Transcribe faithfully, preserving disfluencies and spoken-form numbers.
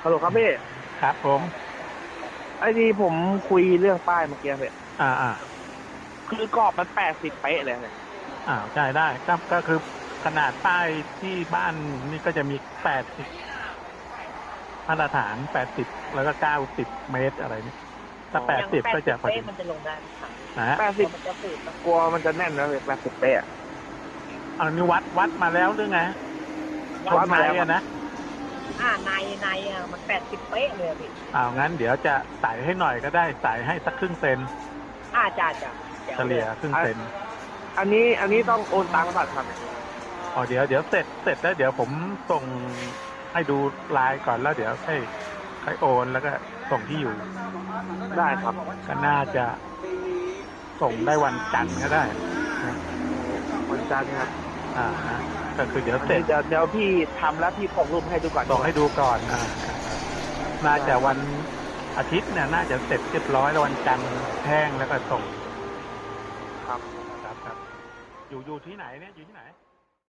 ฮัลโหลครับพี่ครับผมไอ้ที่ผมคุยเรื่องป้ายเมื่อกี้พี่อ่าอ่าคือกรอบมันแปดสิบเป๊ะเลยเนี่ยอ่าใช่ได้ก็ก็คือขนาดป้ายที่บ้านนี่ก็จะมีแปดสิบมาตรฐานแปดสิบแล้วก็เก้าสิบเมตรอะไรนี่ถ้าแปดอย่างสิบก็แปดสิบจะพอดีเป๊ะมันจะลงได้ไหมครับนะฮะแปดสิบกลัวมันจะฝืดปะกลัวมันจะแน่นนะพี่แปดสิบเป๊ะอะอันนี้วัดวัดมาแล้วหรือไงตรวังไหนดมาแล้วครับอะนะอ่าในในอ่ะมันแปดสิบเป๊ะเลยอะพี่อ้าวงั้นเดี๋ยวจะใส่ให้หน่อยก็ได้ใส่ให้สักครึ่งเซนอ่าจ้าจ้าเดี๋ยวเฉลี่ยครึ่งอันเซนอันนี้อันนี้ต้องโอนตังค์ก่อนครับเนี่ยอ๋อเดี๋ยวเดี๋ยวเสร็จเสร็จแล้วเดี๋ยวผมส่งให้ดูไลน์ก่อนแล้วเดี๋ยวให้ให้โอนแล้วก็ส่งที่อยู่ได้ครับก็น่าจะส่งได้วันจันทร์ก็ได้นะวันจันทร์ครับอ่านะก็คือเดี๋ยวอันเสร็จนี้เดี๋ยวเดี๋ยวพี่ทำแล้วพี่ส่งรูปให้ดูก่อนส่งให้ดูก่อนอ่าน่าจะวันอาทิตย์เนี่ยน่าจะเสร็จเรียบร้อยแล้ววันจันทร์แห้งแล้วก็ส่งครับครับครับอยู่อยู่ที่ไหนเนี่ยอยู่ที่ไหน